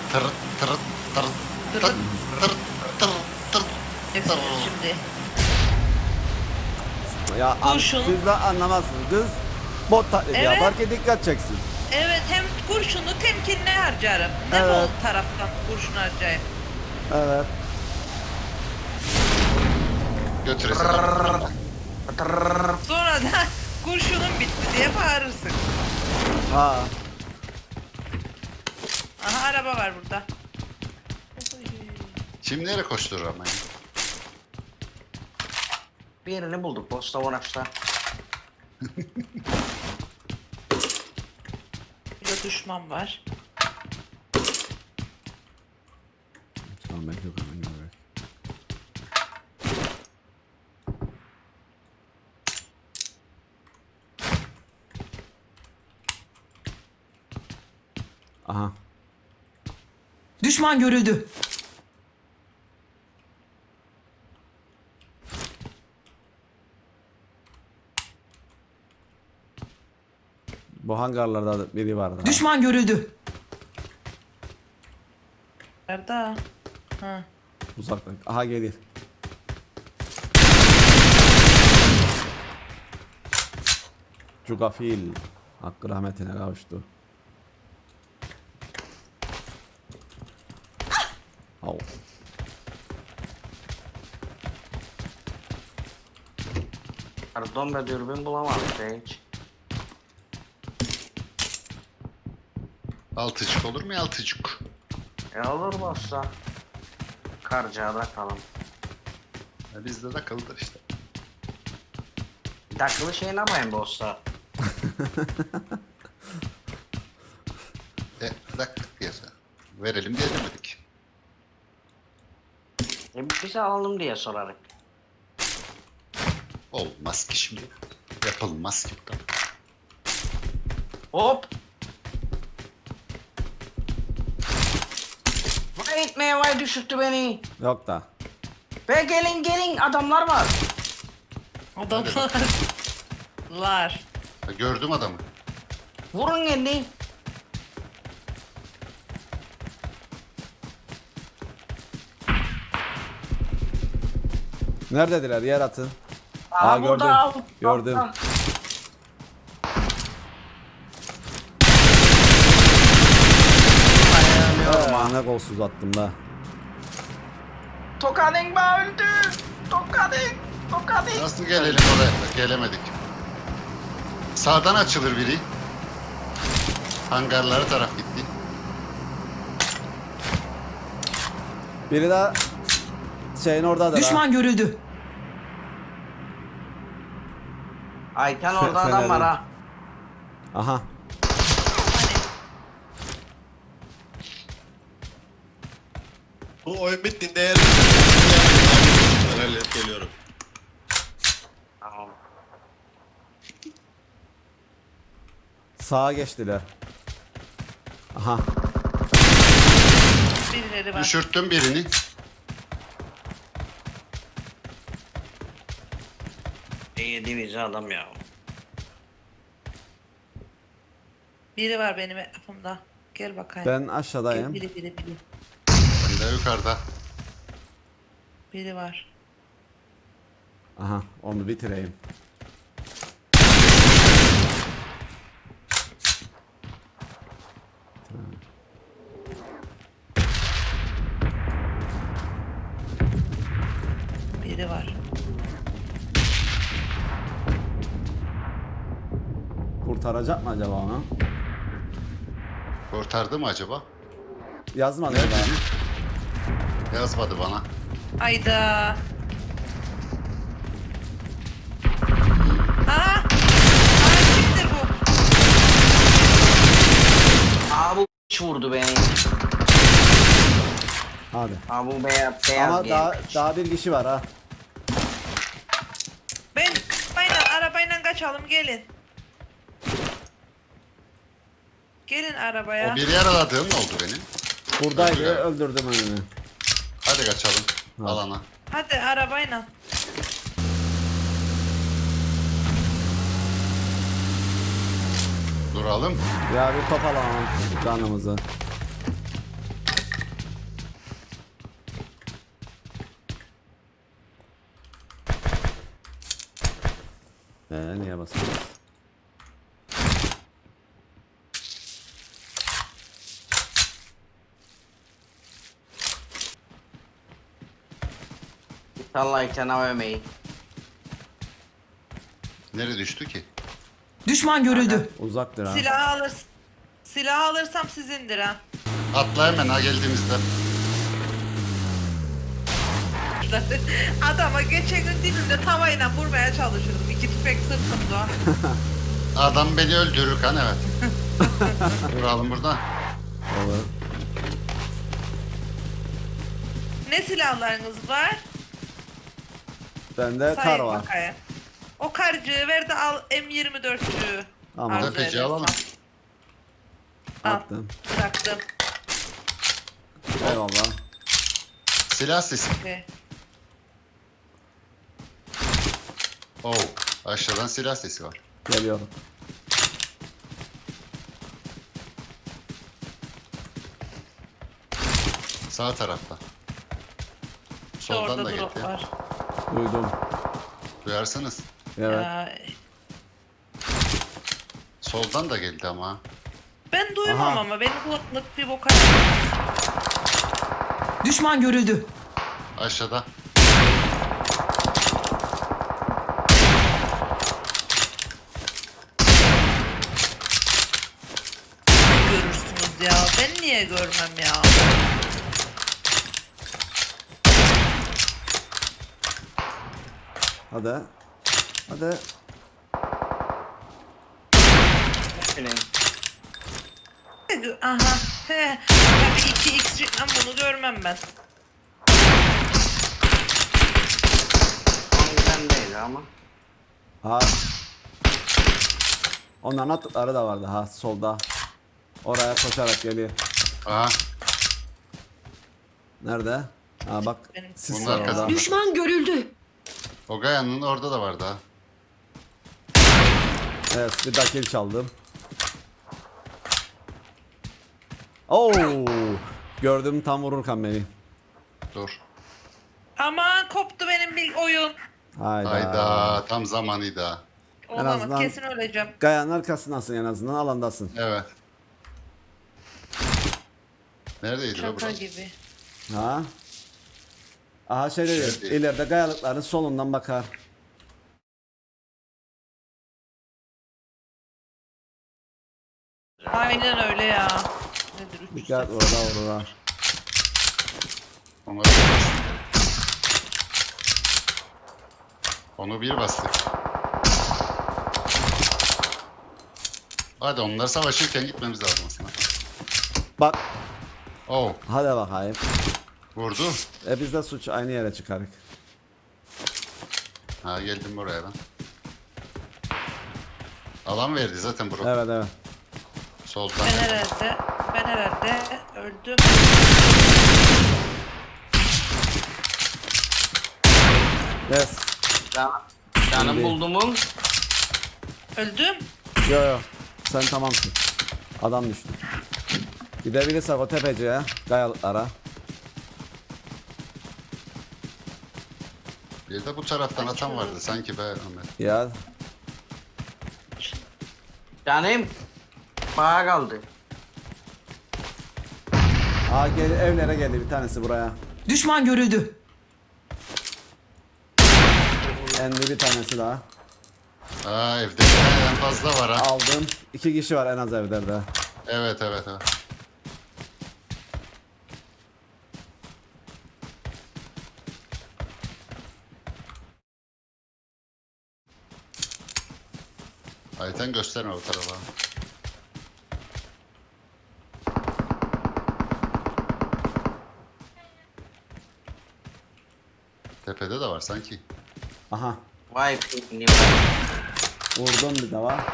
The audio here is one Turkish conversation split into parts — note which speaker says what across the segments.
Speaker 1: Tır tır tır tır
Speaker 2: Durun.
Speaker 1: tır tır tır
Speaker 2: Nefes şimdi.
Speaker 3: Ya
Speaker 2: Kurşun.
Speaker 3: siz de anlamazsınız. Kız bot taklidi
Speaker 2: Evet.
Speaker 3: yaparken dikkat çeksin.
Speaker 2: Evet, hem kurşunu temkinli harcarım. Ne
Speaker 3: Evet.
Speaker 2: bu taraftan kurşun harcayayım?
Speaker 3: Evet.
Speaker 1: götüresin.
Speaker 2: Sonra da kurşunun bitti diye bağırırsın.
Speaker 3: Ha.
Speaker 2: Aha, araba var burada.
Speaker 1: Şimdi nereye koşturur ama ya?
Speaker 4: Bir yerini bulduk Bosta Vonax'ta.
Speaker 2: Burada düşman var.
Speaker 3: Tamam ben yok hemen görüyorum. Aha.
Speaker 5: Düşman görüldü.
Speaker 3: Bu hangarlarda da biri vardı.
Speaker 5: Düşman görüldü.
Speaker 2: Nerede? Ha.
Speaker 3: Uzaktan. Aha gelir. Cugafil. Hakkı rahmetine kavuştu. Au.
Speaker 4: Pardon be dürbün bulamadık ya hiç.
Speaker 1: Altıcık olur mu ya, altıcık?
Speaker 4: Olur Bosta. Karca'da kalın.
Speaker 1: Ya bizde de akıllıdır işte.
Speaker 4: Takılı şey ne yapayım Bosta?
Speaker 1: Dak diye verelim diye demedik.
Speaker 4: Bize alalım diye sorarak.
Speaker 1: Olmaz ki şimdi. Yapılmaz ki bu da.
Speaker 4: Hop! Vay etmeye vay düşürttü beni.
Speaker 3: Yok da.
Speaker 4: Ve gelin gelin adamlar var.
Speaker 2: Adamlar. Lar.
Speaker 1: Ha, gördüm adamı.
Speaker 4: Vurun kendi.
Speaker 3: Neredediler? Yer atın.
Speaker 4: Aa,
Speaker 3: gördüm.
Speaker 4: burada al.
Speaker 3: Gördüm.
Speaker 4: Al.
Speaker 3: Aman ne kolsuz attım da.
Speaker 4: Tokadın ba öldü. Tokadın. Tokadın.
Speaker 1: Nasıl gelelim oraya? Gelemedik. Sağdan açılır biri. Hangarlara taraf gitti.
Speaker 3: Biri daha şeyin oradadır
Speaker 5: Düşman görüldü.
Speaker 4: Ayten orada adam
Speaker 3: Fener'in.
Speaker 4: var ha.
Speaker 3: ha. Aha.
Speaker 6: Bu oyun bittiğinde eğer ben halledip geliyorum.
Speaker 4: Tamam.
Speaker 3: Sağa geçtiler. Aha.
Speaker 2: Birileri var.
Speaker 1: Düşürttüm birini.
Speaker 4: Yedi bizi adam ya.
Speaker 2: Biri var benim etrafımda. Gel bakayım.
Speaker 3: Ben
Speaker 2: Gel,
Speaker 3: aşağıdayım.
Speaker 2: biri.
Speaker 1: Bir de yukarıda.
Speaker 2: Biri var.
Speaker 3: Aha. Onu bitireyim.
Speaker 2: Biri var.
Speaker 3: Kurtaracak mı acaba onu?
Speaker 1: Kurtardı mı acaba?
Speaker 3: Yazmadı
Speaker 1: Nerede?
Speaker 3: daha.
Speaker 1: Yazmadı bana.
Speaker 2: Ayda. Aa! Kimdir bu?
Speaker 4: Aa bu vurdu beni.
Speaker 3: Hadi.
Speaker 4: Aa bu beyaz
Speaker 3: Ama daha,
Speaker 4: giymiş.
Speaker 3: daha bir kişi var ha.
Speaker 2: Ben arabayla kaçalım, gelin. Gelin arabaya.
Speaker 1: O bir yaraladığım ne oldu benim?
Speaker 3: Buradaydı.
Speaker 1: Evet.
Speaker 3: Öldürdüm önünü.
Speaker 1: Hadi kaçalım.
Speaker 3: Hadi.
Speaker 1: Alana.
Speaker 2: Hadi arabayla.
Speaker 1: Duralım.
Speaker 3: Ya bir topalamam canımızı. olasınız.
Speaker 4: İnşallah içen AVM'yi.
Speaker 1: Nereye düştü ki?
Speaker 5: Düşman görüldü.
Speaker 3: Uzaktır ha.
Speaker 2: Silah alırsam sizindir ha.
Speaker 1: Atla hemen ha geldiğimizde.
Speaker 2: Adama geçen gün dibimde tavayla vurmaya çalışıyordum. 2 tüfek sırtımda.
Speaker 1: Adam beni öldürür kan evet. Duralım burada.
Speaker 3: Olur.
Speaker 2: Ne silahlarınız var?
Speaker 3: Bende kar
Speaker 2: Sayın
Speaker 3: var.
Speaker 2: bakayım. O karcığı ver de al M24'cüğü.
Speaker 3: Tamam.
Speaker 2: Arzu
Speaker 1: Tepeci
Speaker 2: edersen.
Speaker 1: alalım.
Speaker 2: Al,
Speaker 3: Attım.
Speaker 2: bıraktım.
Speaker 3: Eyvallah.
Speaker 1: Silah sesi.
Speaker 2: Okey.
Speaker 1: Oo, aşağıdan silah sesi var.
Speaker 3: Geliyorum.
Speaker 1: Sağ tarafta.
Speaker 2: İşte
Speaker 1: Soldan
Speaker 2: orada
Speaker 1: da
Speaker 2: drop
Speaker 1: geliyor.
Speaker 2: var.
Speaker 3: Duydum.
Speaker 1: Duyarsınız.
Speaker 3: Evet.
Speaker 2: Ya,
Speaker 1: Soldan da geldi ama.
Speaker 2: ben duymam
Speaker 3: Aha.
Speaker 2: ama benim kulaklık bir boka yaramaz.
Speaker 5: Düşman görüldü.
Speaker 1: Aşağıda.
Speaker 2: Görürsünüz ya. Ben niye görmem ya?
Speaker 3: Hadi. Hadi.
Speaker 4: Şurayı.
Speaker 2: Aha. He. Tabii 2x ama bunu görmem ben.
Speaker 4: Ondan değil ama.
Speaker 3: Ha. Onların attıkları da vardı ha solda. Oraya koşarak geliyor.
Speaker 1: Aha.
Speaker 3: Nerede? Ha bak.
Speaker 2: Benim-
Speaker 3: Sis
Speaker 1: Bunlar
Speaker 3: var orada.
Speaker 1: kazandı.
Speaker 5: Düşman görüldü.
Speaker 1: O Gaya'nın orada da vardı ha.
Speaker 3: Evet bir dakil çaldım. Oo! Gördüm tam vururken beni.
Speaker 1: Dur.
Speaker 2: Aman koptu benim bir oyun.
Speaker 3: Hayda.
Speaker 1: Hayda. Tam zamanıydı ha.
Speaker 2: Olamaz
Speaker 3: azından-
Speaker 2: kesin öleceğim.
Speaker 3: Gayanın arkasındasın en azından alandasın.
Speaker 1: Evet. Neredeydi o
Speaker 2: Şaka
Speaker 1: burası?
Speaker 2: gibi.
Speaker 3: Ha? Aha şey dedi.
Speaker 1: Şey değil.
Speaker 3: İleride gayalıkların solundan bakar.
Speaker 2: Aynen öyle ya. Nedir 3
Speaker 3: Dikkat orada orada.
Speaker 1: Onu bir bastık. Onu bir bastık. Hadi onlar savaşırken gitmemiz lazım aslında.
Speaker 3: Bak.
Speaker 1: Oh,
Speaker 3: Hadi bakayım.
Speaker 1: vurdu.
Speaker 3: Biz de suç aynı yere çıkarık.
Speaker 1: Ha geldim buraya ben. Alan verdi zaten bro.
Speaker 3: Evet evet.
Speaker 1: Soldan.
Speaker 2: Ben herhalde öldüm.
Speaker 3: Yes.
Speaker 4: Canım
Speaker 3: Şimdi-
Speaker 4: buldumun.
Speaker 2: Öldüm.
Speaker 3: Yo yo. Sen tamamsın. Adam düştü. Gidebilirsek o tepeciye. Gayalıklara.
Speaker 1: Bir de bu taraftan atan vardı sanki be Ahmet.
Speaker 3: Ya.
Speaker 4: Canım. Bağa kaldı.
Speaker 3: Aa gel, evlere geldi bir tanesi buraya.
Speaker 5: Düşman görüldü.
Speaker 3: Endi bir tanesi daha.
Speaker 1: Aa evde en fazla var ha.
Speaker 3: Aldım. 2 kişi var en az evlerde.
Speaker 1: Evet evet evet. Ayten gösterme bu tarafa. Tepede de var sanki.
Speaker 3: Aha.
Speaker 4: Vay ne vay.
Speaker 3: Vurdum bir de var.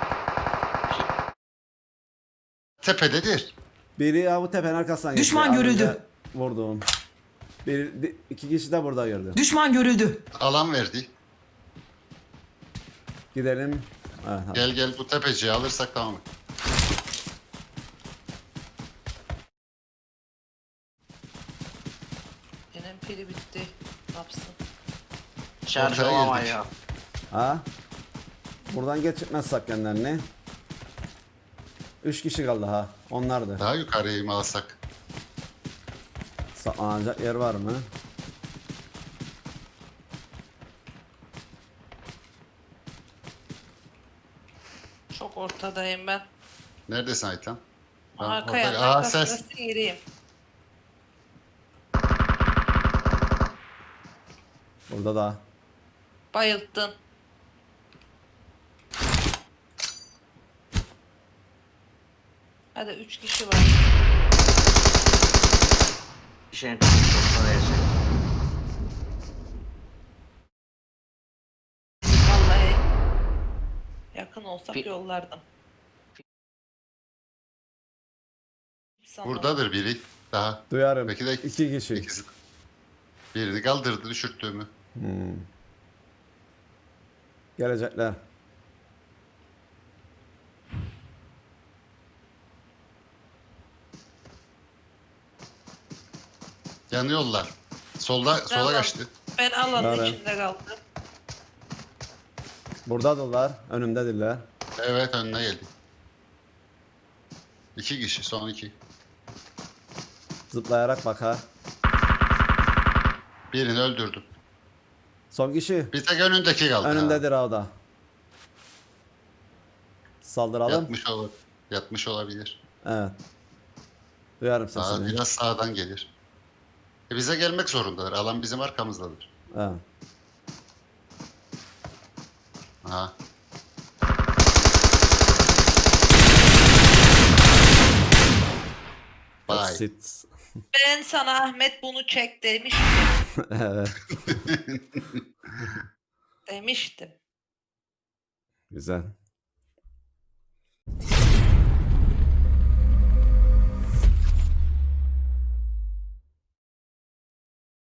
Speaker 1: Tepededir.
Speaker 3: Biri ya bu tepenin arkasından geçti.
Speaker 5: Düşman
Speaker 3: Az
Speaker 5: görüldü.
Speaker 3: önce Vurdum. 2 kişi de burada gördüm.
Speaker 5: Düşman görüldü.
Speaker 1: Alan verdi.
Speaker 3: Gidelim. Evet, hadi.
Speaker 1: Gel gel bu tepeciyi alırsak tamam.
Speaker 2: Benim pili bitti. Ne yapsın?
Speaker 4: Şarj
Speaker 1: Ortaya
Speaker 4: olamıyor.
Speaker 1: girdik.
Speaker 3: Ha? Buradan geçirmezsek kendilerini. 3 kişi kaldı ha. Onlardı.
Speaker 1: Daha yukarıya mı alsak?
Speaker 3: Saklanacak yer var mı?
Speaker 2: Çok ortadayım ben.
Speaker 1: Neredesin Aytan? Ben
Speaker 2: Arka yanın
Speaker 1: Aa,
Speaker 2: arkasına
Speaker 1: ses.
Speaker 2: sıyırayım.
Speaker 3: Burada da.
Speaker 2: Bayılttın. Hadi 3 kişi var.
Speaker 4: Bir şeyin çok da yaşayın.
Speaker 2: Vallahi yakın olsak
Speaker 4: Fi-
Speaker 2: yollardım. Sana.
Speaker 1: Buradadır biri. Daha.
Speaker 3: Duyarım.
Speaker 1: Belki de
Speaker 3: 2 kişi.
Speaker 1: ikisi. Birini kaldırdı düşürttüğümü.
Speaker 3: Gelecekler.
Speaker 1: Yanıyorlar. Sola
Speaker 2: Tamam.
Speaker 1: kaçtı.
Speaker 2: Ben alanın
Speaker 3: Nerede?
Speaker 2: içinde kaldım.
Speaker 3: Buradadırlar. Önümdedirler.
Speaker 1: Evet önüne geldi. 2 kişi son 2.
Speaker 3: Zıplayarak bakar.
Speaker 1: Birini öldürdüm.
Speaker 3: Son kişi.
Speaker 1: Bir tek önündeki kaldı.
Speaker 3: Önündedir o da. Saldıralım.
Speaker 1: Yatmış olabilir.
Speaker 3: Evet. Duyarım
Speaker 1: Daha
Speaker 3: sesini.
Speaker 1: biraz sağdan gelir. Bize gelmek zorundadır. Alan bizim arkamızdadır.
Speaker 3: Evet.
Speaker 1: Aha. Bye.
Speaker 3: Basit.
Speaker 2: Ben sana Ahmet bunu çek demiştim.
Speaker 3: Evet.
Speaker 2: Demiştim.
Speaker 3: Güzel.